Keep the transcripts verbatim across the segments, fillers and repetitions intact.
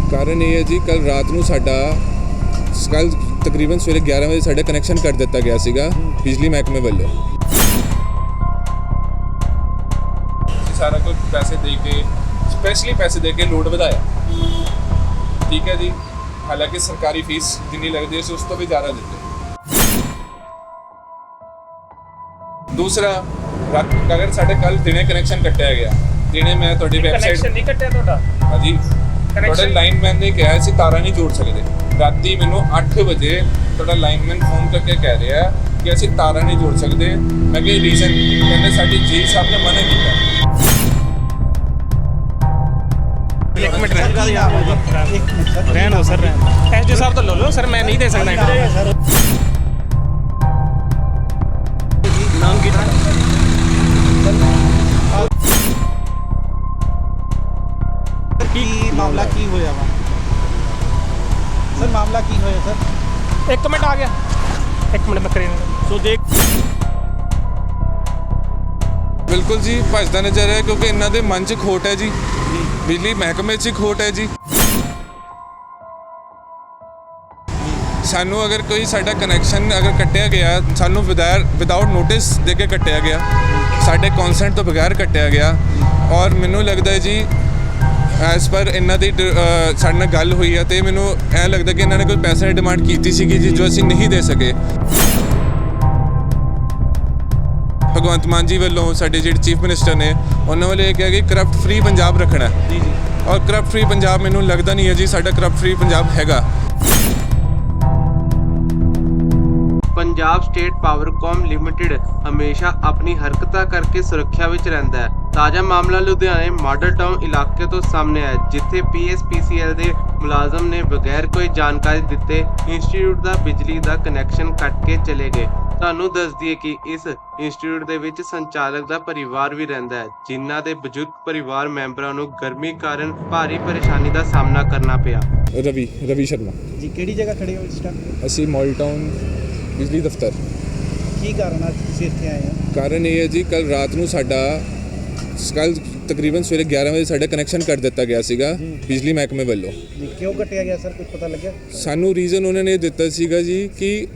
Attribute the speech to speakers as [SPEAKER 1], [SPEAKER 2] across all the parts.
[SPEAKER 1] ਕਾਰਨ ਇਹ ਹੈ ਜੀ, ਕੱਲ ਰਾਤ ਨੂੰ ਸਾਡਾ ਕੱਲ ਤਕਰੀਬਨ ਸਵੇਰੇ ਗਿਆਰਾਂ ਵਜੇ ਸਾਡਾ ਕਨੈਕਸ਼ਨ ਕੱਟ ਦਿੱਤਾ ਗਿਆ ਸੀਗਾ ਬਿਜਲੀ ਮਹਿਕਮੇ ਵੱਲੋਂ। ਸਾਰਾ ਕੁਝ ਪੈਸੇ ਦੇ ਕੇ ਸਪੈਸ਼ਲੀ ਪੈਸੇ ਦੇ ਕੇ ਲੋਡ ਵਧਾਇਆ, ਠੀਕ ਹੈ ਜੀ। ਹਾਲਾਂਕਿ ਸਰਕਾਰੀ ਫੀਸ ਜਿੰਨੀ ਲੱਗਦੀ ਸੀ ਉਸ ਤੋਂ ਵੀ ਜ਼ਿਆਦਾ ਦਿੱਤੇ। ਦੂਸਰਾ, ਅਗਰ ਸਾਡੇ ਕੱਲ ਦਿਨੇ ਕਨੈਕਸ਼ਨ ਕੱਟਿਆ ਗਿਆ, ਦਿਨੇ ਮੈਂ ਤੁਹਾਡੀ ਵੈਬਸਾਈਟ
[SPEAKER 2] ਕਨੈਕਸ਼ਨ ਨਹੀਂ ਕੱਟਿਆ ਤੁਹਾਡਾ?
[SPEAKER 1] ਹਾਂਜੀ, ਤੁਹਾਡੇ ਲਾਈਨਮੈਨ ਨੇ ਕਿਹਾ ਸੀ ਤਾਰਾਂ ਨਹੀਂ ਜੋੜ ਸਕਦੇ। ਰਾਤੀ ਮੈਨੂੰ ਅੱਠ ਵਜੇ ਤੁਹਾਡਾ ਲਾਈਨਮੈਨ ਫੋਨ ਕਰਕੇ ਕਹਿ ਰਿਹਾ ਕਿ ਅਸੀਂ ਤਾਰਾਂ ਨਹੀਂ ਜੋੜ ਸਕਦੇ। ਮੈਂ ਕਿਹਾ ਰੀਜ਼ਨ, ਕਹਿੰਦੇ ਸਾਡੀ ਜੀ ਸਾਹਿਬ ਨੇ ਮਨਾ ਕੀਤਾ।
[SPEAKER 2] ਇੱਕ ਮਿੰਟ ਰਹਿਣ ਰਹਿਣ ਦਿਓ ਸਰ, ਰਹਿਣ ਐਸ ਡੀ ਸਾਹਿਬ ਤੋਂ ਲੈ ਲਓ ਸਰ, ਮੈਂ ਨਹੀਂ ਦੇ ਸਕਦਾ। ਨਾਮ ਕੀ
[SPEAKER 3] ਕੀ ਮਾਮਲਾ ਕੀ ਹੋਇਆ ਵਾ ਸਰ? ਮਾਮਲਾ ਕੀ ਹੋਇਆ ਸਰ?
[SPEAKER 2] ਇੱਕ ਮਿੰਟ ਆ ਗਿਆ, ਇੱਕ ਮਿੰਟ ਮੈਂ ਕਰੀ
[SPEAKER 3] ਸੋ ਦੇਖ
[SPEAKER 1] ਬਿਲਕੁਲ ਜੀ, ਭੱਜਦਾ ਨਜ਼ਰ ਹੈ ਕਿਉਂਕਿ ਇਹਨਾਂ ਦੇ ਮਨ 'ਚ ਖੋਟ ਹੈ ਜੀ, ਬਿਜਲੀ ਮਹਿਕਮੇ 'ਚ ਖੋਟ ਹੈ ਜੀ। ਸਾਨੂੰ ਅਗਰ ਕੋਈ ਸਾਡਾ ਕਨੈਕਸ਼ਨ ਅਗਰ ਕੱਟਿਆ ਗਿਆ, ਸਾਨੂੰ ਵਿਦਾਇਰ ਵਿਦਾਊਟ ਨੋਟਿਸ ਦੇ ਕੇ ਕੱਟਿਆ ਗਿਆ, ਸਾਡੇ ਕੌਨਸੈਂਟ ਤੋਂ ਬਗੈਰ ਕੱਟਿਆ ਗਿਆ। ਔਰ ਮੈਨੂੰ ਲੱਗਦਾ ਹੈ ਜੀ ਐਜ਼ ਪਰ ਇਹਨਾਂ ਦੀ ਸਾਡੇ ਨਾਲ ਗੱਲ ਹੋਈ ਹੈ ਅਤੇ ਮੈਨੂੰ ਐਂ ਲੱਗਦਾ ਕਿ ਇਹਨਾਂ ਨੇ ਕੋਈ ਪੈਸੇ ਦੀ ਡਿਮਾਂਡ ਕੀਤੀ ਸੀਗੀ ਜੀ, ਜੋ ਅਸੀਂ ਨਹੀਂ ਦੇ ਸਕੇ। ਭਗਵੰਤ ਮਾਨ ਜੀ ਵੱਲੋਂ ਸਾਡੇ ਜਿਹੜੇ ਚੀਫ ਮਿਨਿਸਟਰ ਨੇ, ਉਹਨਾਂ ਵੱਲੋਂ ਇਹ ਕਿਹਾ ਕਿ ਕਰਪਟ ਫ੍ਰੀ ਪੰਜਾਬ ਰੱਖਣਾ ਜੀ ਜੀ ਔਰ ਕਰਪਟ ਫ੍ਰੀ ਪੰਜਾਬ ਮੈਨੂੰ ਲੱਗਦਾ ਨਹੀਂ ਹੈ ਜੀ ਸਾਡਾ ਕਰਪਟ ਫ੍ਰੀ ਪੰਜਾਬ ਹੈਗਾ।
[SPEAKER 4] ਪੰਜਾਬ ਸਟੇਟ ਪਾਵਰਕਾਮ ਲਿਮਟਿਡ ਹਮੇਸ਼ਾ ਆਪਣੀ ਹਰਕਤਾਂ ਕਰਕੇ ਸੁਰੱਖਿਆ ਵਿੱਚ ਰਹਿੰਦਾ ਹੈ। ਤਾਜ਼ਾ ਮਾਮਲਾ ਲੁਧਿਆਣੇ ਮਾਡਲ ਟਾਊਨ ਇਲਾਕੇ ਤੋਂ ਸਾਹਮਣੇ ਆਇਆ, ਜਿੱਥੇ ਪੀ ਐਸ ਪੀ ਸੀ ਐਲ ਦੇ ਮੁਲਾਜ਼ਮ ਨੇ ਬਗੈਰ ਕੋਈ ਜਾਣਕਾਰੀ ਦਿੱਤੇ ਇੰਸਟੀਚਿਊਟ ਦਾ ਬਿਜਲੀ ਦਾ ਕਨੈਕਸ਼ਨ ਕੱਟ ਕੇ ਚਲੇ ਗਏ। ਤੁਹਾਨੂੰ ਦੱਸ ਦਈਏ ਕਿ ਇਸ ਇੰਸਟੀਚਿਊਟ ਦੇ ਵਿੱਚ ਸੰਚਾਲਕ ਦਾ ਪਰਿਵਾਰ ਵੀ ਰਹਿੰਦਾ ਹੈ, ਜਿਨ੍ਹਾਂ ਦੇ ਬਜ਼ੁਰਗ ਪਰਿਵਾਰ ਮੈਂਬਰਾਂ ਨੂੰ ਗਰਮੀ ਕਾਰਨ ਭਾਰੀ ਪਰੇਸ਼ਾਨੀ ਦਾ ਸਾਹਮਣਾ ਕਰਨਾ ਪਿਆ।
[SPEAKER 1] ਰਵੀ ਰਵੀ ਸ਼ਰਮਾ
[SPEAKER 3] ਜੀ, ਕਿਹੜੀ ਜਗ੍ਹਾ ਖੜੇ ਹੋ ਇਸ ਟਾਈਮ?
[SPEAKER 1] ਅਸੀਂ ਮਾਡਲ ਟਾਊਨ ਬਿਜਲੀ ਦਫ਼ਤਰ।
[SPEAKER 3] ਕੀ ਕਾਰਨ ਆ ਤੁਸੀਂ ਇੱਥੇ ਆਏ ਹੋ?
[SPEAKER 1] ਕਾਰਨ ਇਹ ਹੈ ਜੀ, ਕੱਲ ਰਾਤ ਨੂੰ ਸਾਡਾ ਕੱਲ ਤਕਰੀਬਨ ਸਵੇਰੇ ਗਿਆਰਾਂ ਵਜੇ ਸਾਡਾ ਕਨੈਕਸ਼ਨ ਕੱਟ ਦਿੱਤਾ ਗਿਆ ਸੀਗਾ ਬਿਜਲੀ ਮਹਿਕਮੇ ਵੱਲੋਂ।
[SPEAKER 3] ਜੀ, ਕਿਉਂ ਕੱਟਿਆ ਗਿਆ ਸਰ, ਕੁਝ ਪਤਾ ਲੱਗਿਆ?
[SPEAKER 1] ਸਾਨੂੰ ਰੀਜ਼ਨ ਉਹਨਾਂ ਨੇ ਦਿੱਤਾ ਸੀਗਾ ਜੀ ਕਿ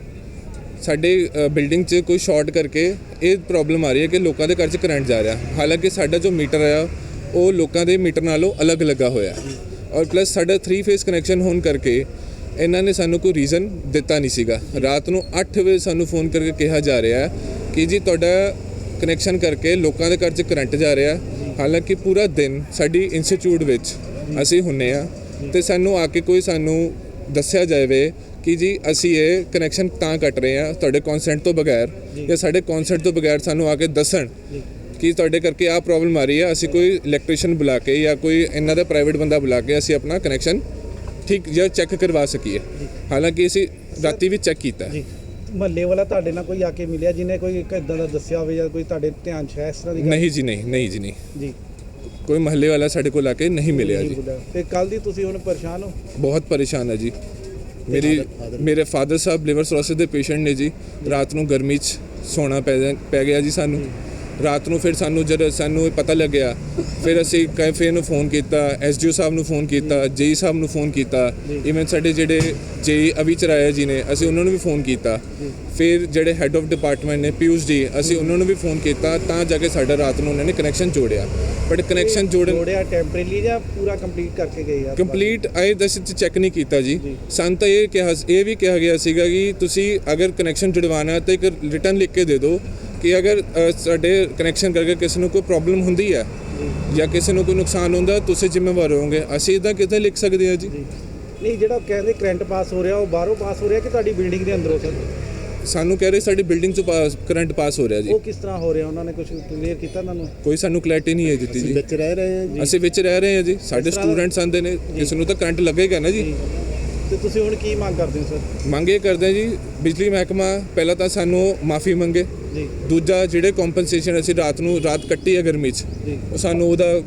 [SPEAKER 1] ਸਾਡੇ ਬਿਲਡਿੰਗ 'ਚ ਕੋਈ ਸ਼ਾਰਟ ਕਰਕੇ ਇਹ ਪ੍ਰੋਬਲਮ ਆ ਰਹੀ ਹੈ ਕਿ ਲੋਕਾਂ ਦੇ ਘਰ 'ਚ ਕਰੰਟ ਜਾ ਰਿਹਾ। ਹਾਲਾਂਕਿ ਸਾਡਾ ਜੋ ਮੀਟਰ ਆ ਉਹ ਲੋਕਾਂ ਦੇ ਮੀਟਰ ਨਾਲੋਂ ਅਲੱਗ ਲੱਗਾ ਹੋਇਆ ਔਰ ਪਲੱਸ ਸਾਡਾ ਥਰੀ ਫੇਸ ਕਨੈਕਸ਼ਨ ਹੋਣ ਕਰਕੇ ਇਹਨਾਂ ਨੇ ਸਾਨੂੰ ਕੋਈ ਰੀਜ਼ਨ ਦਿੱਤਾ ਨਹੀਂ ਸੀਗਾ। ਰਾਤ ਨੂੰ ਅੱਠ ਵਜੇ ਸਾਨੂੰ ਫੋਨ ਕਰਕੇ ਕਿਹਾ ਜਾ ਰਿਹਾ ਕਿ ਜੀ ਤੁਹਾਡਾ ਕਨੈਕਸ਼ਨ ਕਰਕੇ ਲੋਕਾਂ ਦੇ ਘਰ 'ਚ ਕਰੰਟ ਜਾ ਰਿਹਾ। ਹਾਲਾਂਕਿ ਪੂਰਾ ਦਿਨ ਸਾਡੀ ਇੰਸਟੀਚਿਊਟ ਵਿੱਚ ਅਸੀਂ ਹੁੰਨੇ ਆ ਅਤੇ ਸਾਨੂੰ ਆ ਕੇ ਕੋਈ ਸਾਨੂੰ ਦੱਸਿਆ ਜਾਵੇ ਕਿ ਜੀ ਅਸੀਂ ਇਹ ਕਨੈਕਸ਼ਨ ਤਾਂ ਕੱਟ ਰਹੇ ਹਾਂ ਤੁਹਾਡੇ ਕੌਨਸੈਂਟ ਤੋਂ ਬਗੈਰ, ਜਾਂ ਸਾਡੇ ਕੌਨਸੈਂਟ ਤੋਂ ਬਗੈਰ ਸਾਨੂੰ ਆ ਕੇ ਦੱਸਣ ਕਿ ਤੁਹਾਡੇ ਕਰਕੇ ਆਹ ਪ੍ਰੋਬਲਮ ਆ ਰਹੀ ਹੈ। ਅਸੀਂ ਕੋਈ ਇਲੈਕਟ੍ਰੀਸ਼ੀਅਨ ਬੁਲਾ ਕੇ ਜਾਂ ਕੋਈ ਇਹਨਾਂ ਦਾ ਪ੍ਰਾਈਵੇਟ ਬੰਦਾ ਬੁਲਾ ਕੇ ਅਸੀਂ ਆਪਣਾ ਕਨੈਕਸ਼ਨ ਠੀਕ ਜਾਂ ਚੈੱਕ ਕਰਵਾ ਸਕੀਏ। ਹਾਲਾਂਕਿ ਅਸੀਂ ਰਾਤੀ ਵੀ ਚੈੱਕ ਕੀਤਾ।
[SPEAKER 3] ਮਹੱਲੇ ਵਾਲਾ ਤੁਹਾਡੇ ਨਾਲ ਕੋਈ ਆ ਕੇ ਮਿਲਿਆ ਜਿਹਨੇ ਕੋਈ ਇਦਾਂ ਦਾ ਦੱਸਿਆ ਹੋਵੇ ਜਾਂ ਕੋਈ ਤੁਹਾਡੇ ਧਿਆਨ 'ਚ ਹੈ ਇਸ ਤਰ੍ਹਾਂ ਦੀ?
[SPEAKER 1] ਨਹੀਂ ਜੀ, ਨਹੀਂ ਨਹੀਂ ਜੀ, ਨਹੀਂ
[SPEAKER 3] ਜੀ,
[SPEAKER 1] ਕੋਈ ਮਹੱਲੇ ਵਾਲਾ ਸਾਡੇ ਕੋਲ ਆ ਕੇ ਨਹੀਂ ਮਿਲਿਆ ਜੀ।
[SPEAKER 3] ਤੇ ਕੱਲ ਦੀ ਤੁਸੀਂ ਹੁਣ ਪਰੇਸ਼ਾਨ ਹੋ?
[SPEAKER 1] ਬਹੁਤ ਪਰੇਸ਼ਾਨ ਹੈ ਜੀ। ਮੇਰੀ ਮੇਰੇ ਫਾਦਰ ਸਾਹਿਬ ਲਿਵਰ ਸਰੋਸਿਸ ਦੇ ਪੇਸ਼ੈਂਟ ਨੇ ਜੀ। ਰਾਤ ਨੂੰ ਗਰਮੀ 'ਚ ਸੌਣਾ ਪੈ ਪੈ ਗਿਆ ਜੀ ਸਾਨੂੰ। ਰਾਤ ਨੂੰ ਫਿਰ ਸਾਨੂੰ ਜਦ ਸਾਨੂੰ ਇਹ ਪਤਾ ਲੱਗਿਆ, ਫਿਰ ਅਸੀਂ ਕੈਫੇ ਨੂੰ ਫੋਨ ਕੀਤਾ, ਐਸ ਡੀ ਓ ਸਾਹਿਬ ਨੂੰ ਫੋਨ ਕੀਤਾ, ਜੇਈ ਸਾਹਿਬ ਨੂੰ ਫੋਨ ਕੀਤਾ, ਇਵਨ ਸਾਡੇ ਜਿਹੜੇ ਜੇਈ ਅਵੀ ਚਰਾਇਆ ਜੀ ਨੇ, ਅਸੀਂ ਉਹਨਾਂ ਨੂੰ ਵੀ ਫੋਨ ਕੀਤਾ। ਫਿਰ ਜਿਹੜੇ ਹੈੱਡ ਆਫ ਡਿਪਾਰਟਮੈਂਟ ਨੇ ਪਿਊਸ਼ ਜੀ, ਅਸੀਂ ਉਹਨਾਂ ਨੂੰ ਵੀ ਫੋਨ ਕੀਤਾ, ਤਾਂ ਜਾ ਕੇ ਸਾਡਾ ਰਾਤ ਨੂੰ ਉਹਨਾਂ ਨੇ ਕਨੈਕਸ਼ਨ ਜੋੜਿਆ। ਬਟ ਕਨੈਕਸ਼ਨ ਜੋੜਨ
[SPEAKER 3] ਜੋੜਿਆ ਟੈਂਪਰੇਰੀ ਜਾਂ ਪੂਰਾ ਕੰਪਲੀਟ ਕਰਕੇ ਗਏ ਆ?
[SPEAKER 1] ਕੰਪਲੀਟ ਆਏ ਅਸੀਂ ਚੈੱਕ ਨਹੀਂ ਕੀਤਾ ਜੀ। ਸਾਨੂੰ ਤਾਂ ਇਹ ਕਿਹਾ ਇਹ ਵੀ ਕਿਹਾ ਗਿਆ ਸੀਗਾ ਕਿ ਤੁਸੀਂ ਅਗਰ ਕਨੈਕਸ਼ਨ ਜੁੜਵਾਉਣਾ ਤਾਂ ਇੱਕ ਰਿਟਰਨ ਲਿਖ ਕੇ ਦੇ ਦਿਓ ਕਿ ਅਗਰ ਸਾਡੇ ਕਨੈਕਸ਼ਨ ਕਰਕੇ ਕਿਸੇ ਨੂੰ ਕੋਈ ਪ੍ਰੋਬਲਮ ਹੁੰਦੀ ਹੈ ਜਾਂ ਕਿਸੇ ਨੂੰ ਕੋਈ ਨੁਕਸਾਨ ਹੁੰਦਾ ਤੁਸੀਂ ਜ਼ਿੰਮੇਵਾਰ ਹੋਵੋਗੇ। ਅਸੀਂ ਇੱਦਾਂ ਕਿੱਥੇ ਲਿਖ ਸਕਦੇ ਹਾਂ ਜੀ?
[SPEAKER 3] ਨਹੀਂ, ਜਿਹੜਾ ਕਹਿੰਦੇ ਕਰੰਟ ਪਾਸ ਹੋ ਰਿਹਾ ਉਹ ਬਾਹਰੋਂ ਪਾਸ ਹੋ ਰਿਹਾ ਕਿ ਤੁਹਾਡੀ ਬਿਲਡਿੰਗ ਦੇ ਅੰਦਰੋਂ? ਸਰ
[SPEAKER 1] ਸਾਨੂੰ ਕਹਿ ਰਹੇ ਸਾਡੀ ਬਿਲਡਿੰਗ 'ਚ ਪਾਸ ਕਰੰਟ ਪਾਸ ਹੋ ਰਿਹਾ ਜੀ।
[SPEAKER 3] ਉਹ ਕਿਸ ਤਰ੍ਹਾਂ ਹੋ ਰਿਹਾ? ਉਹਨਾਂ ਨੇ ਕੁਝ ਕਲੀਅਰ ਕੀਤਾ ਉਹਨਾਂ ਨੂੰ?
[SPEAKER 1] ਕੋਈ ਸਾਨੂੰ ਕਲੈਰਿਟੀ ਨਹੀਂ ਹੈ ਦਿੱਤੀ ਜੀ।
[SPEAKER 3] ਵਿੱਚ ਰਹਿ ਰਹੇ ਹਾਂ ਜੀ,
[SPEAKER 1] ਅਸੀਂ ਵਿੱਚ ਰਹਿ ਰਹੇ ਹਾਂ ਜੀ। ਸਾਡੇ ਸਟੂਡੈਂਟਸ ਆਉਂਦੇ ਨੇ, ਕਿਸੇ ਨੂੰ ਤਾਂ ਕਰੰਟ ਲੱਗੇਗਾ ਨਾ ਜੀ।
[SPEAKER 3] ਤੇ ਤੁਸੀਂ ਹੁਣ ਕੀ ਮੰਗ ਕਰਦੇ ਹੋ ਸਰ?
[SPEAKER 1] ਮੰਗ ਇਹ ਕਰਦੇ ਹਾਂ ਜੀ, ਬਿਜਲੀ ਮਹਿਕਮਾ ਪਹਿਲਾਂ ਤਾਂ ਸਾਨੂੰ ਮਾਫੀ ਮੰਗੇ ਜੀ। ਦੂਜਾ, ਜਿਹੜੇ ਕੰਪਨਸੇਸ਼ਨ ਅਸੀਂ ਰਾਤ ਨੂੰ ਰਾਤ ਕੱਟੀ ਹੈ ਗਰਮੀ 'ਚ, ਉਹ ਸਾਨੂੰ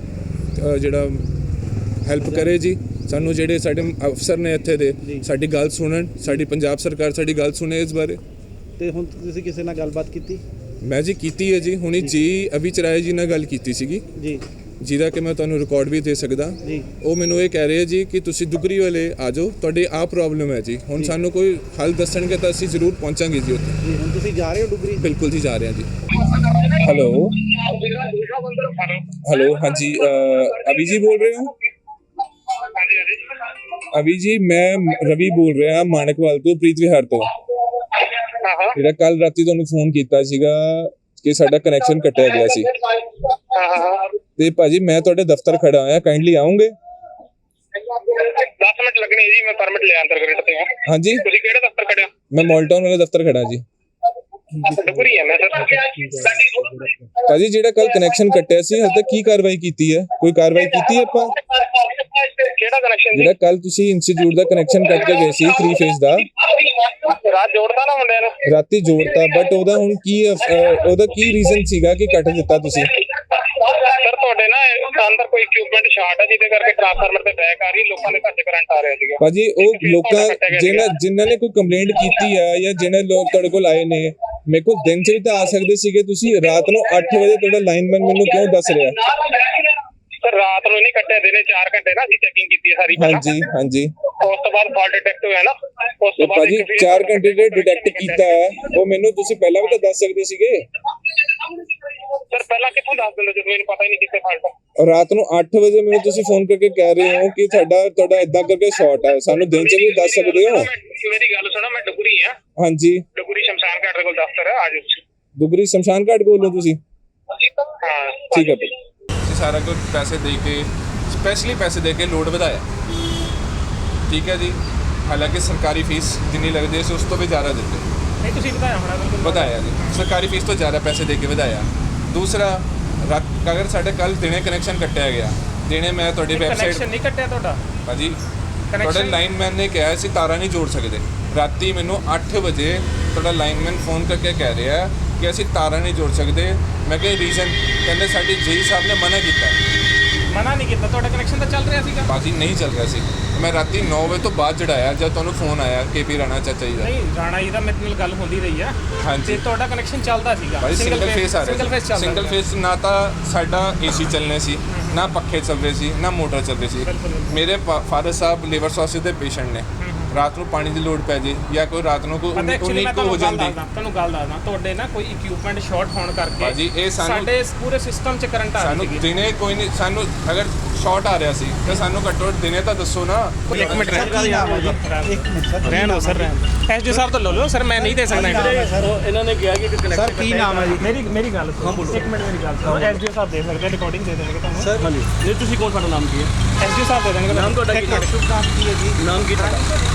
[SPEAKER 1] ਉਹਦਾ ਜਿਹੜਾ ਹੈਲਪ ਕਰੇ ਜੀ। ਸਾਨੂੰ ਜਿਹੜੇ ਸਾਡੇ ਅਫਸਰ ਨੇ ਇੱਥੇ ਦੇ ਸਾਡੀ ਗੱਲ ਸੁਣਨ, ਸਾਡੀ ਪੰਜਾਬ ਸਰਕਾਰ ਸਾਡੀ ਗੱਲ ਸੁਣੇ ਇਸ ਬਾਰੇ।
[SPEAKER 3] ਤੇ ਹੁਣ ਤੁਸੀਂ ਕਿਸੇ ਨਾਲ ਗੱਲਬਾਤ ਕੀਤੀ?
[SPEAKER 1] ਮੈਂ ਜੀ ਕੀਤੀ ਹੈ ਜੀ, ਹੁਣੀ ਜੀ ਅਵੀ ਚਰਾਏ ਜੀ ਨਾਲ ਗੱਲ ਕੀਤੀ ਸੀਗੀ
[SPEAKER 3] ਜੀ।
[SPEAKER 1] ਜਿਹਦਾ ਕਿ ਮੈਂ ਤੁਹਾਨੂੰ ਰਿਕਾਰਡ ਵੀ ਦੇ ਸਕਦਾ।
[SPEAKER 3] ਜੀ।
[SPEAKER 1] ਉਹ ਮੈਨੂੰ ਇਹ ਕਹਿ ਰਹੇ ਜੀ ਕਿ ਤੁਸੀਂ ਦੁਗਰੀ ਵਾਲੇ ਆ ਜਾਓ, ਤੁਹਾਡੀ ਆਹ ਪ੍ਰੋਬਲਮ ਹੈ ਜੀ। ਹੁਣ ਸਾਨੂੰ ਕੋਈ ਹੱਲ ਦੱਸਣਗੇ ਤਾਂ ਅਸੀਂ ਜ਼ਰੂਰ ਪਹੁੰਚਾਂਗੇ ਜੀ ਉੱਥੇ।
[SPEAKER 3] ਜੀ ਹੁਣ ਤੁਸੀਂ ਜਾ ਰਹੇ ਹੋ ਡੁਗਰੀ?
[SPEAKER 1] ਬਿਲਕੁਲ ਜੀ, ਜਾ ਰਹੇ ਹਾਂ ਜੀ। ਹੈਲੋ ਹੈਲੋ ਹਾਂਜੀ, ਅ, ਅਭੀ ਜੀ ਬੋਲ ਰਹੇ ਹੋ? ਅਭੀ ਜੀ ਮੈਂ ਰਵੀ ਬੋਲ ਰਿਹਾ ਮਾਨਕਵਾਲ ਤੋਂ, ਪ੍ਰੀਤ ਵਿਹਾਰ ਤੋਂ। ਜਿਹੜਾ ਕੱਲ ਰਾਤੀ ਤੁਹਾਨੂੰ ਫੋਨ ਕੀਤਾ ਸੀਗਾ ਕਿ ਸਾਡਾ ਕਨੈਕਸ਼ਨ ਕੱਟਿਆ ਗਿਆ ਸੀ। ਤੇ ਭਾਜੀ ਮੈਂ ਤੁਹਾਡੇ ਦਫ਼ਤਰ ਖੜਾ ਹੋਇਆ, ਕਾਈਂਡਲੀ ਆਉਂਗੇ?
[SPEAKER 5] ਦਸ ਮਿੰਟ ਲੱਗਣੇ ਜੀ, ਮੈਂ ਪਰਮਿਟ ਲਿਆ ਅੰਦਰ ਗ੍ਰਿਡ ਤੇ।
[SPEAKER 1] ਹਾਂਜੀ,
[SPEAKER 5] ਤੁਸੀਂ ਕਿਹੜੇ ਦਫ਼ਤਰ ਖੜਿਆ?
[SPEAKER 1] ਮੈਂ ਮਾਲਟਾਊਨ ਵਾਲੇ ਦਫ਼ਤਰ ਖੜਾ ਜੀ।
[SPEAKER 5] ਡੁਗਰੀ ਹੈ ਮੈਂ ਸਰ।
[SPEAKER 1] ਭਾਜੀ ਜਿਹੜਾ ਕੱਲ ਕਨੈਕਸ਼ਨ ਕੱਟਿਆ ਸੀ ਹਜੇ ਤੱਕ ਕੀ ਕਾਰਵਾਈ ਕੀਤੀ ਹੈ? ਕੋਈ ਕਾਰਵਾਈ ਕੀਤੀ ਆਪਾਂ?
[SPEAKER 5] ਕਿਹੜਾ ਕਨੈਕਸ਼ਨ?
[SPEAKER 1] ਜਿਹੜਾ ਕੱਲ ਤੁਸੀਂ ਇੰਸਟੀਚਿਊਟ ਦਾ ਕਨੈਕਸ਼ਨ ਕੱਟ ਕੇ ਗਏ ਸੀ ਥ੍ਰੀ ਫੇਜ਼ ਦਾ,
[SPEAKER 5] ਰਾਤ ਜੋੜਦਾ ਨਾ ਮੁੰਡਿਆਂ ਨੂੰ।
[SPEAKER 1] ਰਾਤੀ ਜੋੜਤਾ, ਬਟ ਉਹਦਾ ਹੁਣ ਕੀ ਅਹ, ਉਹਦਾ ਕੀ ਰੀਜ਼ਨ ਸੀਗਾ ਕਿ ਕੱਟ ਦਿੱਤਾ ਤੁਸੀਂ?
[SPEAKER 5] ਸਰ ਤੁਹਾਡੇ ਨਾ ਅੰਦਰ ਕੋਈ ਇਕਵਿਪਮੈਂਟ ਸ਼ਾਰਟ ਹੈ ਜਿਹਦੇ ਕਰਕੇ ਟ੍ਰਾਂਸਫਾਰਮਰ ਤੇ ਬੈਕ ਆ ਰਹੀ, ਲੋਕਾਂ ਦੇ ਘਰ 'ਚ ਕਰੰਟ ਆ ਰਿਹਾ ਸੀਗਾ।
[SPEAKER 1] ਭਾਜੀ ਉਹ ਲੋਕਾਂ ਜਿਹਨਾਂ ਜਿਨ੍ਹਾਂ ਨੇ ਕੋਈ ਕੰਪਲੇਂਟ ਕੀਤੀ ਆ ਜਾਂ ਜਿਹੜੇ ਲੋਕ ਤੁਹਾਡੇ ਕੋਲ ਆਏ ਨੇ, ਮੇਰੇ ਕੋਲ ਦਿਨ 'ਚ ਵੀ ਤਾਂ ਆ ਸਕਦੇ ਸੀਗੇ। ਤੁਸੀਂ ਰਾਤ ਨੂੰ ਅੱਠ ਵਜੇ ਤੁਹਾਡਾ ਲਾਈਨਮੈਨ ਮੈਨੂੰ ਕਿਉਂ ਦੱਸ ਰਿਹਾ?
[SPEAKER 5] ਸਰ ਰਾਤ ਨੂੰ ਨਹੀਂ ਕੱਟਿਆ, ਦਿਨੇ ਚਾਰ ਘੰਟੇ ਨਾ ਅਸੀਂ ਚੈਕਿੰਗ ਕੀਤੀ ਹੈ ਸਾਰੀ।
[SPEAKER 1] ਹਾਂਜੀ ਹਾਂਜੀ,
[SPEAKER 5] ਉਸ ਤੋਂ ਬਾਅਦ ਫਾਲਟ ਡਿਟੈਕਟ ਹੋਇਆ ਨਾ, ਉਸ ਤੋਂ ਬਾਅਦ
[SPEAKER 1] ਭਾਜੀ ਚਾਰ ਘੰਟੇ ਦੇ ਡਿਟੈਕਟ ਕੀਤਾ ਹੈ, ਉਹ ਮੈਨੂੰ ਤੁਸੀਂ ਪਹਿਲਾਂ ਵੀ ਤਾਂ ਦੱਸ ਸਕਦੇ ਸੀਗੇ।
[SPEAKER 5] ਸਰ ਪਹਿਲਾਂ ਕਿੱਥੋਂ ਦੱਸ ਦਿੰਦੇ ਜਦੋਂ ਮੈਨੂੰ ਪਤਾ ਹੀ ਨਹੀਂ ਕਿੱਥੇ ਫਾਲਟ।
[SPEAKER 1] ਰਾਤ ਨੂੰ ਅੱਠ ਵਜੇ ਮੈਨੂੰ ਤੁਸੀਂ ਫੋਨ ਕਰਕੇ ਕਹਿ ਰਹੇ ਹੋ ਕਿ ਸਾਡਾ ਤੁਹਾਡਾ ਇਦਾਂ ਕਰਕੇ ਸ਼ਾਰਟ ਹੈ, ਸਾਨੂੰ ਦਿਨ 'ਚ ਵੀ ਦੱਸ ਸਕਦੇ ਹੋ।
[SPEAKER 5] ਮੇਰੀ ਗੱਲ ਸੁਣੋ, ਮੈਂ ਡੁਗਰੀ ਆ।
[SPEAKER 1] ਹਾਂਜੀ,
[SPEAKER 5] ਡੁਗਰੀ ਸ਼ਮਸ਼ਾਨ ਘਾਟ ਦੇ ਕੋਲ ਦਫ਼ਤਰ ਹੈ, ਆ ਜਾਓ ਤੁਸੀਂ।
[SPEAKER 1] ਦੁਗਰੀ ਸ਼ਮਸ਼ਾਨ ਘਾਟ ਕੋਲ ਹੋ ਤੁਸੀਂ?
[SPEAKER 5] ਹਾਂ
[SPEAKER 1] ਠੀਕ ਹੈ ਭਾਈ। ਅਸੀਂ ਸਾਰਾ ਕੁਝ ਪੈਸੇ ਦੇ ਕੇ, ਸਪੈਸ਼ਲੀ ਪੈਸੇ ਦੇ ਕੇ ਲੋਡ ਵਧਾਇਆ, ਠੀਕ ਹੈ ਜੀ। ਹਾਲਾਂਕਿ ਸਰਕਾਰੀ ਫੀਸ ਜਿੰਨੀ ਲੱਗਦੀ ਸੀ ਉਸ ਤੋਂ ਵੀ ਜ਼ਿਆਦਾ ਦਿੱਤੇ।
[SPEAKER 2] ਨਹੀਂ ਤੁਸੀਂ ਵਧਾਇਆ ਹੋਣਾ ਬਿਲਕੁਲ।
[SPEAKER 1] ਵਧਾਇਆ ਜੀ, ਸਰਕਾਰੀ ਫੀਸ ਤੋਂ ਜ਼ਿਆਦਾ ਪੈਸੇ ਦੇ ਕੇ ਵਧਾਇਆ। ਦੂਸਰਾ, ਰਾਤ ਅਗਰ ਸਾਡੇ ਕੱਲ ਦਿਨੇ ਕਨੈਕਸ਼ਨ ਕੱਟਿਆ ਗਿਆ, ਦਿਨੇ ਮੈਂ ਤੁਹਾਡੀ ਵੈਬਸਾਈਟ
[SPEAKER 2] ਕਨੈਕਸ਼ਨ ਨਹੀਂ ਕੱਟਿਆ ਤੁਹਾਡਾ
[SPEAKER 1] ਭਾਜੀ, ਤੁਹਾਡੇ ਲਾਈਨਮੈਨ ਨੇ ਕਿਹਾ ਸੀ ਤਾਰਾਂ ਨਹੀਂ ਜੋੜ ਸਕਦੇ। ਰਾਤੀ ਮੈਨੂੰ ਅੱਠ ਵਜੇ ਤੁਹਾਡਾ ਲਾਈਨਮੈਨ ਫੋਨ ਕਰਕੇ ਕਹਿ ਰਿਹਾ ਕਿ ਅਸੀਂ ਤਾਰਾਂ ਨਹੀਂ ਜੋੜ ਸਕਦੇ। ਮੈਂ ਕਿਹਾ ਰੀਜ਼ਨ? ਕਹਿੰਦੇ ਸਾਡੀ ਜੀ ਸਾਹਿਬ ਨੇ ਮਨਾ ਕੀਤਾ।
[SPEAKER 2] ਮਨਾ ਨਹੀਂ ਕੀਤਾ, ਤੁਹਾਡਾ ਕਨੈਕਸ਼ਨ ਤਾਂ ਚੱਲ ਰਿਹਾ ਸੀਗਾ।
[SPEAKER 1] ਭਾਜੀ ਨਹੀਂ ਚੱਲ ਰਿਹਾ ਸੀ, ਮੈਂ ਰਾਤੀ ਨੌ ਵਜੇ ਤੋਂ ਬਾਅਦ ਚੜਾਇਆ ਜਦ ਤੁਹਾਨੂੰ ਫੋਨ ਆਇਆ ਕੇਪੀ ਰਾਣਾ ਚਾਚਾ ਜੀ ਦਾ।
[SPEAKER 2] ਨਹੀਂ ਰਾਣਾ ਜੀ ਦਾ ਮੇਰੇ ਨਾਲ ਗੱਲ ਹੁੰਦੀ ਰਹੀ ਆ।
[SPEAKER 1] ਹਾਂਜੀ,
[SPEAKER 2] ਤੇ ਤੁਹਾਡਾ ਕਨੈਕਸ਼ਨ ਚੱਲਦਾ ਸੀਗਾ।
[SPEAKER 1] ਭਾਜੀ ਸਿੰਗਲ ਫੇਸ ਆ
[SPEAKER 2] ਸਿੰਗਲ
[SPEAKER 1] ਰਿਹਾ
[SPEAKER 2] ਫੇਸ
[SPEAKER 1] ਸੀ।
[SPEAKER 2] ਚੱਲਦਾ
[SPEAKER 1] ਸਿੰਗਲ ਫੇਸ ਨਾ ਤਾਂ ਸਾਡਾ ਏਸੀ ਚੱਲਣੇ ਸੀ, ਨਾ ਪੱਖੇ ਚੱਲ ਰਹੇ ਸੀ, ਨਾ ਮੋਟਰ ਚੱਲ ਰਹੀ ਸੀ। ਮੇਰੇ ਫਾਦਰ ਸਾਹਿਬ ਲੀਵਰ ਸੋਸਿਸ ਦੇ ਪੇਸ਼ੈਂਟ ਨੇ, ਰਾਤ ਨੂੰ ਪਾਣੀ ਦੀ ਲੋੜ ਪੈ ਜੇ ਜਾਂ ਕੋਈ ਰਾਤ ਨੂੰ ਕੋਈ ਉਨੀ ਕੁ ਹੋ ਜਾਂਦੀ।
[SPEAKER 2] ਤੁਹਾਨੂੰ ਗੱਲ ਦੱਸਦਾ, ਤੁਹਾਡੇ ਨਾ ਕੋਈ ਇਕਵਿਪਮੈਂਟ ਸ਼ਾਰਟ ਹੋਣ ਕਰਕੇ
[SPEAKER 1] ਭਾਜੀ ਇਹ ਸਾਨੂੰ
[SPEAKER 2] ਸਾਡੇ ਪੂਰੇ ਸਿਸਟਮ 'ਚ ਕਰੰਟ ਆ ਰਹੀ
[SPEAKER 1] ਸਾਨੂੰ
[SPEAKER 2] ਸੀਗੀ।
[SPEAKER 1] ਦਿਨੇ ਕੋਈ ਨਹੀਂ, ਸਾਨੂੰ ਅਗਰ ਸ਼ਾਰਟ ਆ ਰਿਹਾ ਸੀ ਤਾਂ ਸਾਨੂੰ ਘੱਟੋ ਘੱਟ ਦਿਨੇ ਤਾਂ ਦੱਸੋ ਨਾ।
[SPEAKER 2] ਇੱਕ ਮਿੰਟ ਰਹਿਣ
[SPEAKER 3] ਕੀ ਨਾਮ ਹੈ ਜੀ? ਇੱਕ ਮਿੰਟ ਸਰ,
[SPEAKER 2] ਰਹਿਣ ਦਿਓ ਸਰ, ਰਹਿਣ ਐਸ ਡੀ ਸਾਹਿਬ ਤੋਂ ਲੈ ਲਓ ਸਰ, ਮੈਂ ਨਹੀਂ ਦੇ ਸਕਦਾ।
[SPEAKER 5] ਇਹਨਾਂ ਨੇ ਕਿਹਾ ਕਿ
[SPEAKER 3] ਸਰ ਕੀ ਨਾਮ ਹੈ ਜੀ?
[SPEAKER 2] ਮੇਰੀ ਮੇਰੀ ਗੱਲ ਸੁਣੋ, ਇੱਕ ਮਿੰਟ ਮੇਰੀ ਗੱਲ ਸੁਣੋ। ਐਸ ਡੀ ਸਾਹਿਬ ਦੇ ਸਕਦੇ, ਰਿਕਾਰਡਿੰਗ ਦੇ ਦੇਣਗੇ ਤੁਹਾਨੂੰ।
[SPEAKER 3] ਸਰ
[SPEAKER 5] ਨਹੀਂ ਤੁਸੀਂ ਕੌਣ, ਤੁਹਾਡਾ ਨਾਮ ਕੀ ਹੈ?
[SPEAKER 2] ਐਸ ਡੀ ਸਾਹਿਬ ਦੇ ਦੇਣਗੇ।
[SPEAKER 5] ਨਾਮ ਤੁਹਾਡਾ ਕੀ ਹੈ?
[SPEAKER 3] ਸ਼ੁਭ ਨਾਮ ਕੀ ਹੈ ਜੀ?
[SPEAKER 5] ਨਾਮ ਕੀ ਤੁਹਾਡਾ?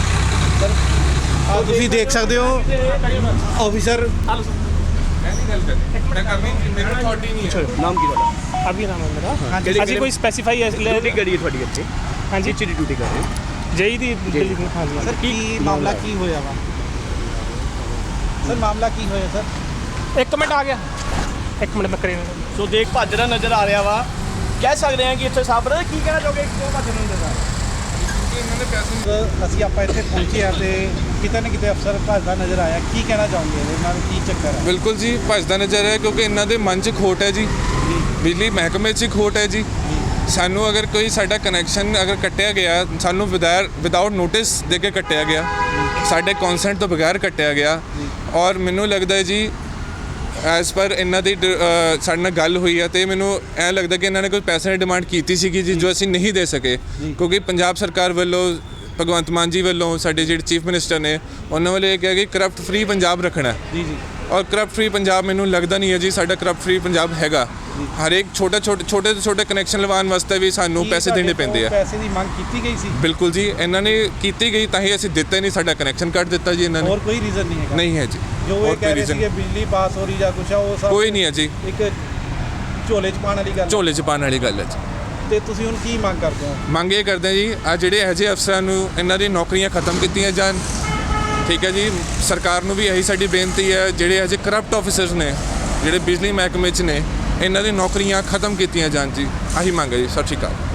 [SPEAKER 3] ਆਹ ਤੁਸੀਂ ਦੇਖ ਸਕਦੇ ਹੋ ਆਫੀਸਰ।
[SPEAKER 1] ਮੈਂ ਨਹੀਂ ਗੱਲ ਕਰਨੀ, ਮੈਂ ਕਰਨੀ ਮੈਨੂੰ ਥੋੜੀ ਨਹੀਂ ਹੈ।
[SPEAKER 5] ਨਾਮ ਕੀ ਤੁਹਾਡਾ?
[SPEAKER 2] ਅਭੀ ਨਾਮ ਹੈ ਮੇਰਾ।
[SPEAKER 3] ਹਾਂਜੀ।
[SPEAKER 2] ਅਸੀਂ ਕੋਈ ਸਪੈਸੀਫਾਈ
[SPEAKER 5] ਡਿਊਟੀ ਕਿਹੜੀ ਹੈ ਤੁਹਾਡੀ ਇੱਥੇ?
[SPEAKER 2] ਹਾਂਜੀ
[SPEAKER 5] ਕਿਹੜੀ ਡਿਊਟੀ ਕਰ ਰਹੇ ਹੋ?
[SPEAKER 2] ਜੇਈ ਦੀ ਦਿੱਲੀ ਦੀ। ਹਾਂਜੀ
[SPEAKER 3] ਸਰ ਕੀ ਮਾਮਲਾ ਕੀ ਹੋਇਆ ਵਾ? ਸਰ ਮਾਮਲਾ ਕੀ ਹੋਇਆ ਸਰ?
[SPEAKER 2] ਇੱਕ ਮਿੰਟ ਆ ਗਿਆ, ਇੱਕ ਮਿੰਟ ਮੈਂ ਕਰੀ।
[SPEAKER 5] ਸੋ ਦੇਖ ਭੱਜ ਰਿਹਾ ਨਜ਼ਰ ਆ ਰਿਹਾ ਵਾ, ਕਹਿ ਸਕਦੇ ਹਾਂ ਕਿ ਇੱਥੇ ਸਾਹਬ ਰਿਹਾ। ਕੀ ਕਹਿਣਾ ਚਾਹੋਗੇ ਕਿਉਂ ਭੱਜ ਰਹੇ ਨਜ਼ਰ ਆ ਰਿਹਾ?
[SPEAKER 1] ਇਹਨਾਂ ਨੇ ਪੈਸੇ
[SPEAKER 3] ਸਰ, ਅਸੀਂ ਆਪਾਂ ਇੱਥੇ ਪਹੁੰਚੇ ਆ ਤੇ ਕਿਤੇ ਨਾ ਕਿਤੇ ਅਫਸਰ ਭੱਜਦਾ ਨਜ਼ਰ ਆਇਆ। ਕੀ ਕਹਿਣਾ ਚਾਹੋਗੇ ਇਹਦੇ ਨਾਲ, ਕੀ ਚੱਕਰ ਹੈ?
[SPEAKER 1] ਬਿਲਕੁਲ ਜੀ ਭੱਜਦਾ ਨਜ਼ਰ ਹੈ ਕਿਉਂਕਿ ਇਹਨਾਂ ਦੇ ਮਨ 'ਚ ਖੋਟ ਹੈ ਜੀ, ਬਿਜਲੀ ਮਹਿਕਮੇ 'ਚ ਖੋਟ ਹੈ ਜੀ। ਸਾਨੂੰ ਅਗਰ ਕੋਈ ਸਾਡਾ ਕਨੈਕਸ਼ਨ ਅਗਰ ਕੱਟਿਆ ਗਿਆ, ਸਾਨੂੰ ਵਿਦਾਇਰ ਵਿਦਆਊਟ ਨੋਟਿਸ ਦੇ ਕੇ ਕੱਟਿਆ ਗਿਆ, ਸਾਡੇ ਕੌਨਸੈਂਟ ਤੋਂ ਬਗੈਰ ਕੱਟਿਆ ਗਿਆ। ਔਰ ਮੈਨੂੰ ਲੱਗਦਾ ਹੈ ਜੀ ਐਜ਼ ਪਰ ਇਹਨਾਂ ਦੀ ਡ- ਅ, ਸਾਡੇ ਨਾਲ ਗੱਲ ਹੋਈ ਹੈ ਤੇ ਮੈਨੂੰ ਐਂ ਲੱਗਦਾ ਕਿ ਇਹਨਾਂ ਨੇ ਕੋਈ ਪੈਸੇ ਦੀ ਡਿਮਾਂਡ ਕੀਤੀ ਸੀਗੀ ਜੀ ਜੋ ਅਸੀਂ ਨਹੀਂ ਦੇ ਸਕੇ, ਕਿਉਂਕਿ ਪੰਜਾਬ ਸਰਕਾਰ ਵੱਲੋਂ ਭਗਵੰਤ ਮਾਨ ਜੀ ਵੱਲੋਂ ਸਾਡੇ ਜਿਹੜੇ ਚੀਫ ਮਿਨਿਸਟਰ ਨੇ ਉਹਨਾਂ ਵੱਲੋਂ ਇਹ ਕਿਹਾ ਕਿ ਕਰਪਟ ਫ੍ਰੀ ਪੰਜਾਬ ਰੱਖਣਾ ਹੈ।
[SPEAKER 3] ਜੀ ਜੀ।
[SPEAKER 1] ਔਰ ਕਰਪਟ ਫ੍ਰੀ ਪੰਜਾਬ ਮੈਨੂੰ ਲੱਗਦਾ ਨਹੀਂ ਹੈ ਜੀ ਸਾਡਾ ਕਰਪਟ ਫ੍ਰੀ ਪੰਜਾਬ ਹੈਗਾ। ਹਰੇਕ ਛੋਟਾ ਛੋਟੇ ਛੋਟੇ ਤੋਂ ਛੋਟੇ ਕਨੈਕਸ਼ਨ ਲਵਾਉਣ ਵਾਸਤੇ ਵੀ ਸਾਨੂੰ
[SPEAKER 3] ਕੀ
[SPEAKER 1] ਪੈਸੇ
[SPEAKER 3] ਤੁਹਾਡੇ
[SPEAKER 1] ਦੇਣੇ
[SPEAKER 3] ਕੋਲ
[SPEAKER 1] ਪੈਂਦੇ ਆ।
[SPEAKER 3] ਪੈਸੇ ਦੀ ਮੰਗ ਕੀਤੀ ਗਈ ਸੀ?
[SPEAKER 1] ਬਿਲਕੁਲ ਜੀ, ਇਹਨਾਂ ਨੇ ਕੀਤੀ ਗਈ ਤਾਂ ਹੀ ਅਸੀਂ ਦਿੱਤੇ ਨਹੀਂ, ਸਾਡਾ ਕਨੈਕਸ਼ਨ ਕੱਟ ਦਿੱਤਾ ਜੀ ਇਹਨਾਂ ਨੇ।
[SPEAKER 3] ਹੋਰ ਕੋਈ ਰੀਜ਼ਨ ਨਹੀਂ ਹੈਗਾ?
[SPEAKER 1] ਨਹੀਂ ਹੈ ਜੀ,
[SPEAKER 3] ਜੋ
[SPEAKER 1] ਹੋਰ
[SPEAKER 3] ਇਹ
[SPEAKER 1] ਕੋਈ
[SPEAKER 3] ਕਹਿ ਰਹੇ
[SPEAKER 1] ਰੀਜ਼ਨ
[SPEAKER 3] ਸੀਗੇ ਬਿਜਲੀ ਪਾਸ ਹੋ ਰਹੀ ਜਾਂ ਕੁਛ ਆ, ਉਹ ਸਭ
[SPEAKER 1] ਕੋਈ ਨਹੀਂ ਹੈ ਜੀ,
[SPEAKER 3] ਇੱਕ ਝੋਲੇ 'ਚ ਪਾਉਣ ਵਾਲੀ ਗੱਲ।
[SPEAKER 1] ਝੋਲੇ 'ਚ ਪਾਉਣ ਵਾਲੀ ਗੱਲ ਹੈ ਜੀ।
[SPEAKER 3] ਤੇ ਤੁਸੀਂ ਹੁਣ ਕੀ ਮੰਗ ਕਰਦੇ ਹੋ?
[SPEAKER 1] ਮੰਗ ਇਹ ਕਰਦੇ ਹਾਂ ਜੀ ਆ ਜਿਹੜੇ ਇਹੋ ਜਿਹੇ ਅਫਸਰਾਂ ਨੂੰ ਇਹਨਾਂ ਦੀ ਨੌਕਰੀਆਂ ਖਤਮ ਕੀਤੀਆਂ ਜਾਣ। ਠੀਕ ਹੈ ਜੀ, ਸਰਕਾਰ ਨੂੰ ਵੀ ਇਹੀ ਸਾਡੀ ਬੇਨਤੀ ਹੈ, ਜਿਹੜੇ ਇਹੋ ਜਿਹੇ ਕਰਪਟ ਆਫਿਸਰਸ ਨੇ ਜਿਹੜੇ ਬਿਜਲੀ ਮਹਿਕਮੇ 'ਚ ਨੇ ਇਹਨਾਂ ਦੀ ਨੌਕਰੀਆਂ ਖਤਮ ਕੀਤੀਆਂ ਜਾਣ ਜੀ, ਆਹੀ ਮੰਗ ਹੈ ਜੀ। ਸਤਿ ਸ਼੍ਰੀ ਅਕਾਲ।